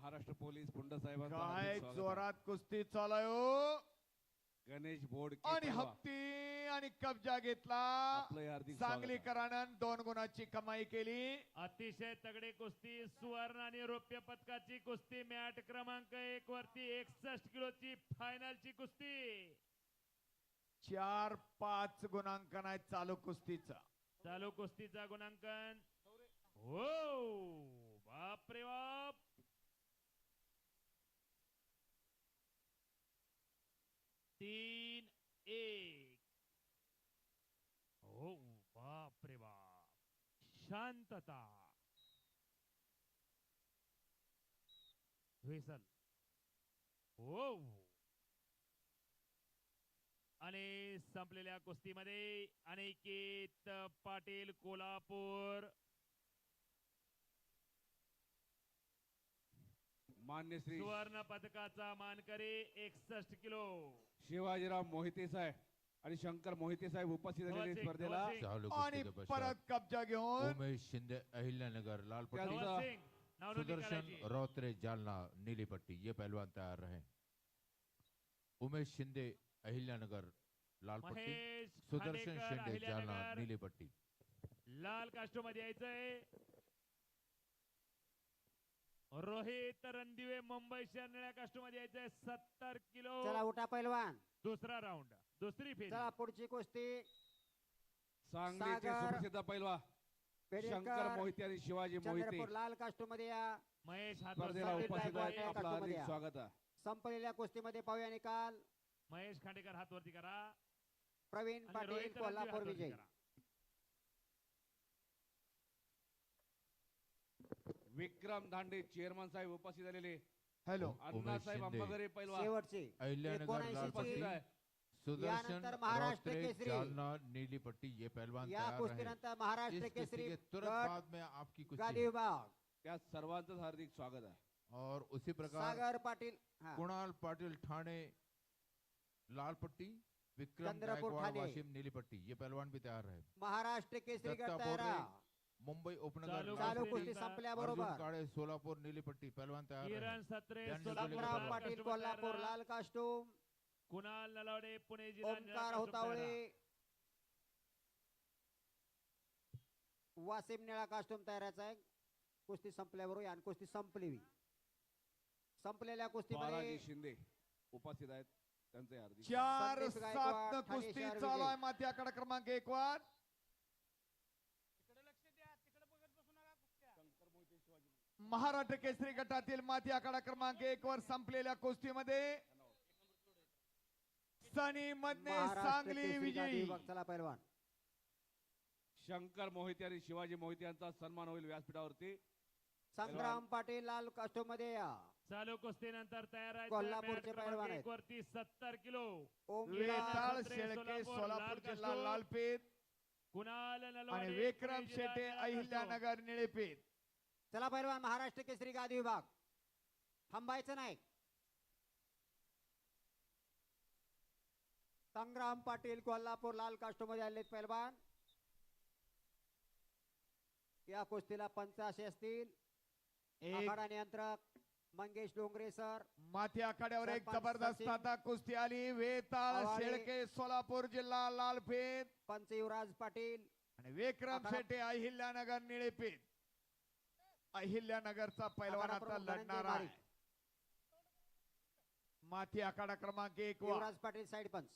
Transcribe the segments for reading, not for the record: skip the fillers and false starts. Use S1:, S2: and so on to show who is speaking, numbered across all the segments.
S1: Maharashtra police Pund साहेबांचं
S2: काय
S1: हार्दिक स्वागत आहे.
S2: जोरात कुस्ती चालू
S1: गणेश बोड
S2: आणि हप्ती आणि कब्जा घेतला.
S1: आपलं हार्दिक स्वागत आहे.
S2: सांगलीकरानं 2 गुणाची कमाई केली.
S3: अतिशय तगडी कुस्ती सुवर्ण आणि रौप्य पदकाची कुस्ती मॅट क्रमांक 1 वरती 61 किलोची फायनलची कुस्ती
S2: 4-5 गुणांकन आहे चालू कुस्तीचा.
S3: चालू कुस्तीचा गुणांकन हो बाप रे बाप 3-1 हो बाप रे बाप शांतता व्हेसल हो आणि संपलेल्या कुस्तीमध्ये अनिकेत पाटील कोल्हापूर
S1: मान्य श्री
S3: सुवर्ण पदकाचा मानकरी 61 किलो
S1: शिवाजीराव मोहिते साहेब आणि शंकर मोहिते साहेब उपस्थित झालेले
S3: धवल सिंग,
S1: स्पर्धेला
S3: धवल सिंग.
S4: चालू
S2: आणि
S4: कुस्ती के
S2: परत
S4: पश्चात
S2: कब्जा घेऊन
S4: उमेश शिंदे अहिल्यानगर लाल पट्टी
S1: त्यांचा-
S3: धवल सिंग नावनोंदणी
S4: सुदर्शन
S3: करायची.
S4: रौत्रे जालना नीली पट्टी ये पहलवान तैयार रहे। उमेश शिंदे अहिल्यानगर लाल पट्टी
S3: महेश
S4: सुदर्शन
S3: खांडेकर,
S4: शिंदे जालना
S3: अहिल्यानगर.
S4: नीली पट्टी
S3: लाल कास्टो मध्ये यायचंय रोहित रणदिवे मुंबई शहर निळ्या कास्टो मध्ये यायचंय 70 किलो
S5: चला उठा पैलवान.
S3: दुसरा राऊंड दुसरी फेरी
S5: चला पुढची कुस्ती
S1: सांगलीचे
S5: सागर,
S1: सुप्रसिद्ध पैलवान
S5: पेडणेकर,
S1: शंकर मोहिते आणि शिवाजी मोहिते
S5: चंद्रपूर लाल कास्टो मध्ये या.
S3: महेश
S1: स्पर्धेला
S3: हातवर
S1: उपस्थित
S5: गायकवाड
S1: आहेत.
S5: या
S1: आपलं हार्दिक
S5: कास्टोमध्ये
S1: स्वागत आहे.
S5: संपलेल्या कुस्तीमध्ये पाहूया निकाल.
S3: महेश खांडेकर हात वरती करा
S5: प्रवीण
S3: आणि
S5: पाटील
S3: रोहित रणदिवे
S5: कोल्हापूर
S3: हात वरती
S5: विजय.
S3: करा.
S1: विक्रम धांडे चेअरमन साहेब उपस्थित झालेले
S2: हॅलो
S1: अण्णासाहेब
S4: शिंदे.
S1: अंबागरे पैलवान
S5: शेवटची
S4: अहिल्यानगर लाल
S5: 79
S1: उपस्थित
S4: पट्टी
S1: आहे.
S4: सुदर्शन
S5: यानंतर महाराष्ट्र
S4: रौत्रे
S5: केसरी.
S4: जालना नीली पट्टी ये पहलवान
S5: या
S4: तैयार रहे।
S5: कुस्तीनंतर महाराष्ट्र
S4: इस कुस्ती
S5: केसरी
S4: के तुरंत
S5: गट
S4: बाद में आपकी
S5: गादी
S4: कुस्ती
S5: विभाग
S1: त्या सर्वांचं हार्दिक स्वागत आहे.
S4: और उसी प्रकार
S5: सागर पाटील हा.
S4: कुणाल पाटिल ठाणे लाल पट्टी विक्रम
S5: चंद्रपूर
S4: गायकवाड़
S5: ठाणे.
S4: वाशिम नीली पट्टी ये पहलवान भी तैयार है।
S5: महाराष्ट्र केसरी गट
S4: दत्ता
S5: तयार
S4: बोर्डे मुंबई उपनगर
S3: चालू
S4: लाल
S5: चालू
S4: पट्टी,
S5: कुस्ती
S3: अर्जुन
S5: संपल्याबरोबर
S4: काळे सोलापूर नीली पट्टी पहलवान तैयार
S3: किरण
S4: है।
S3: सत्रे
S4: त्यांनी
S3: सोलापूर
S4: दिलेलं
S5: संग्राम
S4: बरोबर.
S3: लाल
S5: पाटील
S3: कास्टो मध्ये
S5: कोल्हापूर
S3: तयार
S5: लाल कास्टूम.
S3: कुणाल नलावडे पुणे जिल्हा निळा
S5: ओमकार
S3: कास्टो तयार.
S5: होतावळे वासिम निळा कास्टूम तयाराचा आहे. कुस्ती संपल्याबरोबर आणि कुस्ती संपली. संपलेल्या कुस्तीमध्ये
S1: बालाजी शिंदे उपस्थित आहेत त्यांचे हार्दिक
S2: 4-7
S5: संदीप गायकवाड, ठाणे
S2: कुस्ती
S5: शहर
S2: चालू आहे.
S5: विजय.
S2: माती आकडा क्रमांक 1 वर महाराष्ट्र केसरी गटातील माती आकडा क्रमांक 1 वर संपलेल्या कुस्तीमध्ये सनी मधने
S5: महाराष्ट्र
S2: सांगली
S5: केसरी गादी
S2: विजयी.
S5: विभाग. चला पैलवान.
S1: शंकर मोहिते आणि शिवाजी मोहिते यांचा सन्मान होईल व्यासपीठावरती.
S5: संग्राम पाटील लाल कास्टूम मध्ये या.
S3: चालू कुस्तीनंतर तयार आहे
S5: कोल्हापूरचे पैलवान आहेत.
S3: वरती 70 किलो
S2: वेताळ
S3: सत्रे,
S2: शेळके
S3: सोलापूर,
S2: सोलापूर
S3: लाल
S2: जिल्हा
S3: कास्टूम.
S2: लालपेठ
S3: कुणाल
S2: आणि
S3: नलावडे
S2: विक्रम
S3: पुणे जिल्हा
S2: शेटे
S3: निळा कास्टो.
S2: अहिल्यानगर निळेपेठ.
S5: चला पैलवान महाराष्ट्र केसरी गादी विभाग. थांबायचं नाही. संग्राम पाटील कोल्हापूर लाल कास्टूम मध्ये आलेत पैलवान. या कुस्तीला 85 असतील.
S2: एक
S5: आखाडा नियंत्रक मंगेश डोंगरे सर.
S2: माती आखाड्यावर एक
S5: सरपंच
S2: जबरदस्त
S5: सचिन
S2: आता कुस्ती आली. वेताळ
S5: आवाळे.
S2: शेळके सोलापूर जिल्हा लालपेठ
S5: पंच युवराज पाटील.
S2: आणि विक्रम
S5: आखाडा-
S2: शेटे अहिल्यानगर निळेपेठ. अहिल्यानगरचा पैलवान
S5: आखाडा
S2: आता
S5: प्रमुख
S2: लढणार
S5: धनंजय
S2: आहे.
S5: बारीक.
S2: माती आखाडा क्रमांक 1 वर
S5: युवराज पाटील साइड पंच.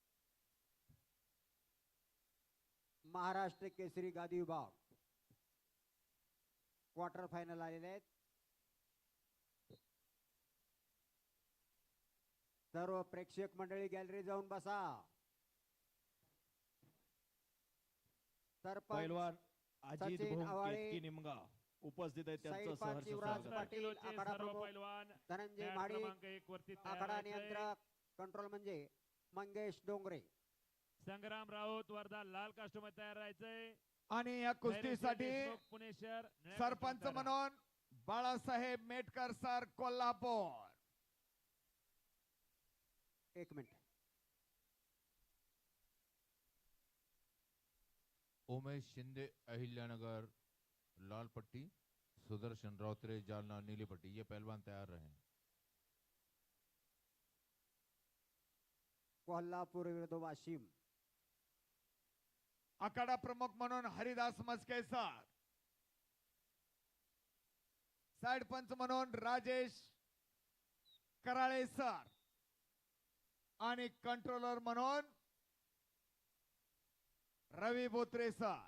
S5: महाराष्ट्र केसरी गादी विभाग क्वार्टर फायनल आलेले आहेत. सर्व प्रेक्षक मंडळी गॅलरी जाऊन बसा. सरपंच
S6: पैलवान अजित
S5: सचिन
S6: भोंग
S5: आवाळे,
S6: केतकी निमगा उपस्थित आहेत
S5: साईड
S6: त्यांचं
S5: पंच
S6: सहर्ष
S5: युवराज
S6: स्वागत.
S5: पाटील.
S3: किलोचे
S5: आखाडा
S3: सर्व
S5: प्रमुख
S3: पैलवान
S5: धनंजय
S3: मॅट
S5: माडिक.
S3: क्रमांक 1 वरती तयार
S5: आखाडा
S3: व्हायचंय.
S5: नियंत्रक कंट्रोल म्हणजे मंगेश डोंगरे.
S3: संग्राम राऊत वर्धा लाल कास्टूम मध्ये तयार राहायचंय.
S2: आणि या कुस्तीसाठी
S3: देशमुख, पुणे शहर निळ्या
S2: सरपंच
S3: कास्टूम तयार.
S2: म्हणून बाळासाहेब मेटकर सर कोल्हापूर.
S5: एक मिनिट.
S4: उमेश शिंदे अहिल्यानगर लाल पट्टी सुदर्शन रौत्रे जालना नीली पट्टी ये पहलवान तैयार रहें।
S5: कोल्हापूर विरुद्ध वाशिम.
S2: आखाडा प्रमुख म्हणून हरिदास मस्के सर, साइड पंच म्हणून राजेश कराळे सर आणि कंट्रोलर म्हणून रवी बोत्रे सर.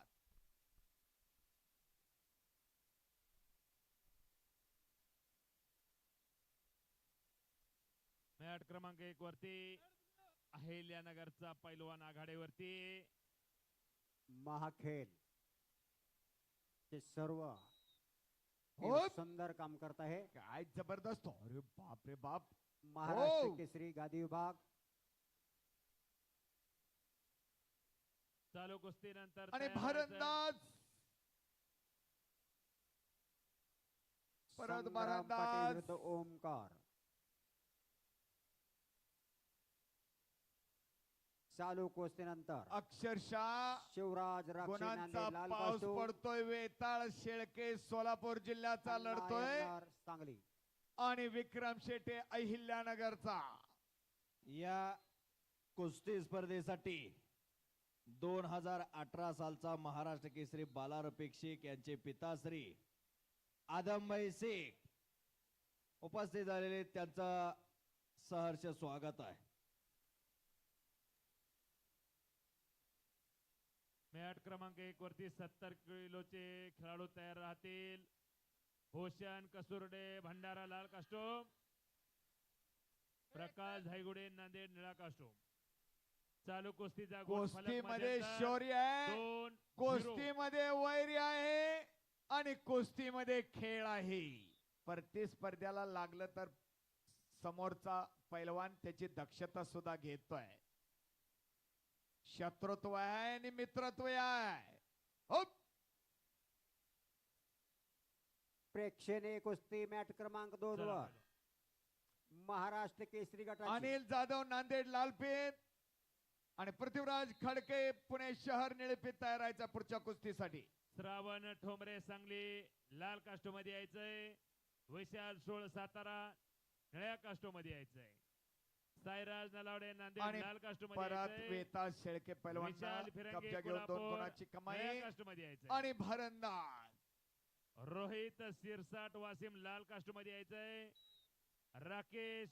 S3: मॅट क्रमांक 1 वरती अहिल्यानगरचा पैलवान आघाडीवरती.
S5: महाखेल ते सर्व
S2: हो.
S5: सुंदर काम करत आहे.
S2: काय जबरदस्त, अरे बाप रे बाप.
S5: महाराष्ट्र
S2: हो.
S5: केसरी गादी विभाग.
S3: चालू कुस्ती नंतर
S2: आणि
S3: तयार व्हायचं.
S2: भारंदाज परत
S5: संग्राम पाटील
S2: भारंदाज.
S5: विरुद्ध ओमकार. चालू कुस्तीनंतर
S2: अक्षरशः
S5: शिवराज राक्षे
S2: गुणांचा
S5: नांदेड लाल
S2: पाऊस
S5: कास्टूम,
S2: पडतोय. वेताळ शेळके सोलापूर जिल्ह्याचा
S5: अण्णा
S2: लढतोय
S5: यंदार सांगली.
S2: आणि विक्रम शेटे अहिल्यानगरचा.
S6: या कुस्ती स्पर्धेसाठी 2018 सालचा महाराष्ट्र केसरी बाला रफिक शेख यांचे पिताश्री आदमभाई शेख उपस्थित झालेले, त्यांचं सहर्ष स्वागत आहे.
S3: मॅट क्रमांक 1 वरती 70 किलोचे खेळाडू तयार राहतील. भूषण कसुर्डे भंडारा लाल कास्टोम, प्रकाश धायगुडे नांदेड निळा कास्टोम. चालू कुस्तीचा गुण फलक
S2: कुस्तीमध्ये
S3: मध्यंतर
S2: शौर्य आहे,
S3: 2-0.
S2: कुस्तीमध्ये वैर्य आहे आणि कुस्तीमध्ये खेळ आहे. प्रतिस्पर्ध्याला लागलं तर समोरचा पैलवान त्याची दक्षता सुद्धा घेतोय. शत्रुत्व आहे आणि मित्रत्व आहे. हो.
S5: प्रेक्षणीय कुस्ती मॅट क्रमांक 2
S3: चला,
S5: वर महाराष्ट्र केसरी गटाची
S2: अनिल जाधव नांदेड लालपेठ आणि पृथ्वीराज खडके पुणे शहर निळपेठ तयार राहायचा पुढच्या कुस्तीसाठी.
S3: श्रावण ठोंबरे सांगली लाल कास्टो मध्ये यायचंय. विशाल सोळ सातारा निळ्या कास्टो मध्ये यायचंय. साईराज नलावडे नांदेड
S2: आणि
S3: लाल कास्टो मध्ये
S2: परत
S3: यायचंय.
S2: वेता शेळके पैलवान
S3: विशाल फिरंगे
S2: कब्जा घेऊन 2
S3: कोल्हापूर
S2: गुणाची कमाई
S3: निळ्या कास्टो मध्ये यायचंय.
S2: आणि भरंदाज.
S3: रोहित सिरसाट वासिम लाल कास्टो मध्ये यायचंय. राकेश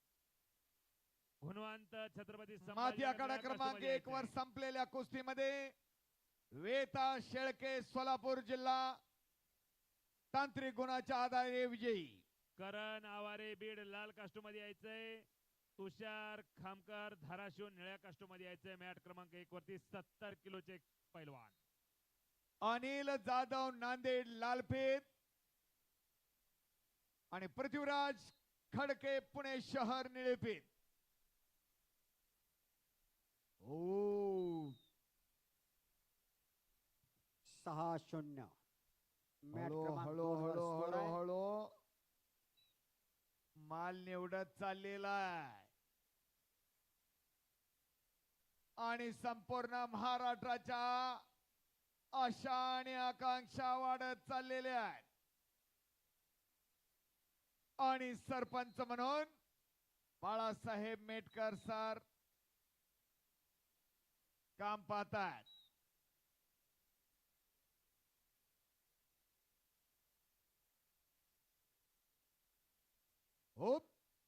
S3: गुणवंत छत्रपती
S2: माथी
S3: संभाजी
S2: आखाडा क्रमांक 1 वर संपलेल्या कुस्तीमध्ये वेता शेळके सोलापूर जिल्हा तांत्रिक गुणाच्या आधारे विजयी.
S3: करण आवारे बीड लाल कास्टो मध्ये यायचंय. तुषार खामकर धाराशिव निळ्या कास्टो मध्ये यायचंय. मॅट क्रमांक 1 वरती 70 किलोचे पैलवान.
S2: अनिल जाधव नांदेड लालपेठ आणि पृथ्वीराज खडके पुणे शहर निळपेठ. ओ
S5: 6-0. मॅट
S2: हळू
S5: क्रमांक
S2: हळू
S5: 2 वर
S2: हळू
S5: स्कोर
S2: हळू
S5: आहे.
S2: हळू माल निवडत चाललेला आहे आणि संपूर्ण महाराष्ट्राच्या आशा आणि आकांक्षा वाढत चाललेल्या आहेत. आणि सरपंच म्हणून बाळासाहेब मेटकर सर काम पाहतात. हो.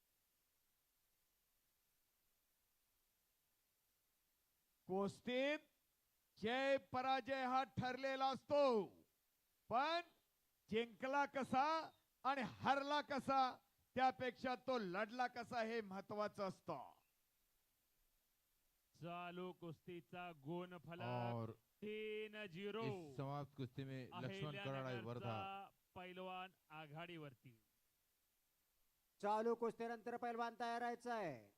S2: कुस्तीत जय पराजय हा ठरलेला असतो, पण जिंकला कसा आणि हरला कसा त्यापेक्षा तो लढला कसा हे महत्वाचं असतं.
S3: चालू कुस्तीचा गुण फलक
S4: और
S3: 3-0.
S4: इस समाप्त कुश्ती में लक्ष्मण कराड़ाई वर्धा
S3: अहिल्यानगरचा पैलवान आघाडीवरती.
S5: चालू कुस्तीनंतर पैलवान तयार राहायचा आहे.